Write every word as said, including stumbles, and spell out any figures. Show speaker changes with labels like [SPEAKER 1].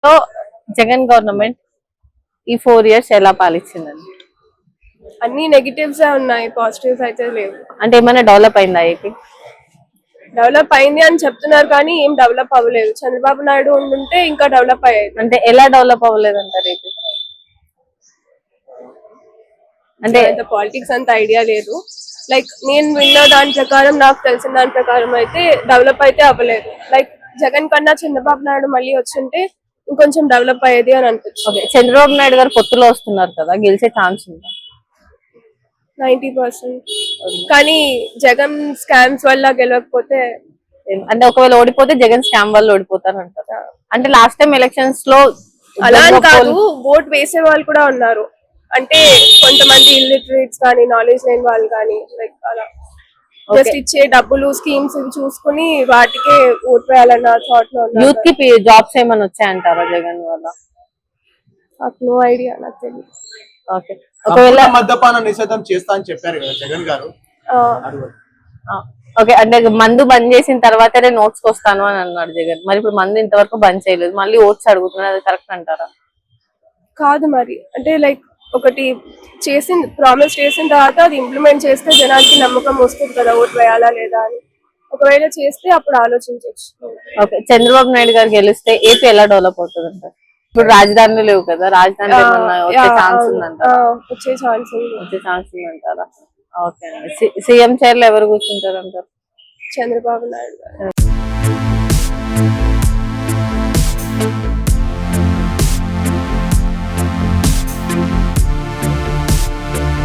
[SPEAKER 1] So Jagan government ఈ four years ఎలా పాలించిందండి?
[SPEAKER 2] అన్ని నెగిటివ్స్ ఉన్నాయి, పాజిటివ్స్ అయితే లేవు.
[SPEAKER 1] అంటే ఏమైనా డెవలప్ అయిందా ఏపీ?
[SPEAKER 2] డెవలప్ అయింది అని చెప్తున్నారు కానీ ఏం డెవలప్ అవ్వలేదు. చంద్రబాబు నాయుడు ఉండుంటే ఇంకా డెవలప్ అయ్యేది.
[SPEAKER 1] అంటే ఎలా డెవలప్ అవ్వలేదు అంటారు ఏపీ?
[SPEAKER 2] అంటే అంత పాలిటిక్స్ అంత ఐడియా లేదు. లైక్ నేను విన్న దాని ప్రకారం, నాకు తెలిసిన దాని ప్రకారం అయితే డెవలప్ అయితే అవ్వలేదు. లైక్ జగన్ కన్నా చంద్రబాబు నాయుడు మళ్ళీ వచ్చింటే ఇంకొంచెం డెవలప్ అయ్యేది అని అనిపిస్తుంది.
[SPEAKER 1] చంద్రబాబు నాయుడు గారు పొత్తులో వస్తున్నారు కదా, గెలిచే ఛాన్స్ ఉందా?
[SPEAKER 2] Ninety percent. కానీ జగన్ స్కామ్స్ వల్ల గెలవకపోతే,
[SPEAKER 1] అంటే ఒకవేళ ఓడిపోతే జగన్ స్కామ్ వల్ల ఓడిపోతారు అంటారు. అంటే లాస్ట్ టైం ఎలక్షన్స్ లో
[SPEAKER 2] అలా అని కాదు, ఓట్ వేసే వాళ్ళు కూడా ఉన్నారు. అంటే కొంతమంది ఇల్లిటరేట్స్ కానీ, నాలెడ్జ్ లేని వాళ్ళు కానీ, లైక్ అలా జస్ట్ ఇచ్చే డబ్బులు స్కీమ్స్ చూసుకుని వాటికే ఓట్ వేయాలన్న థాట్ లో ఉన్నారు.
[SPEAKER 1] యూత్ కి జాబ్స్ ఏమైనా వచ్చాయంటారా జగన్ వల్ల?
[SPEAKER 2] నాకు నో ఐడియా, నాకు తెలియదు.
[SPEAKER 1] ఓకే, ఒకవేళ
[SPEAKER 3] మద్యపాన నిషేధం చేస్తా అని చెప్పారు కదా జగన్ గారు.
[SPEAKER 1] ఓకే, అంటే మందు బంద్ చేసిన తర్వాతనే నోట్స్ వస్తాను అని అన్నాడు జగన్. మరి ఇప్పుడు మందు ఇంతవరకు బంద్ చేయలేదు, మళ్ళీ ఓట్స్ అడుగుతున్నారు, అది కరెక్ట్ అంటారా?
[SPEAKER 2] కాదు మరి, అంటే లైక్ ఒకటి చేసిన ప్రామిస్ చేసిన తర్వాత అది ఇంప్లిమెంట్ చేస్తే జనానికి నమ్మకం వస్తుంది కదా ఓట్ వేయాలా లేదా అని. ఒకవేళ చేస్తే అప్పుడు ఆలోచించవచ్చు.
[SPEAKER 1] ఓకే, చంద్రబాబు నాయుడు గారు గెలిస్తే ఏపీ ఎలా డెవలప్ అవుతుంది అంటారు? ఇప్పుడు రాజధానులు లేవు కదా, రాజధాని వచ్చే ఛాన్స్ ఉందంటారా?
[SPEAKER 2] వచ్చే ఛాన్స్
[SPEAKER 1] వచ్చే ఛాన్స్ ఉందంటారా? ఓకే అండి, సీఎం చైర్ లో ఎవరు కూర్చుంటారు అంటారు?
[SPEAKER 2] చంద్రబాబు నాయుడు గారు.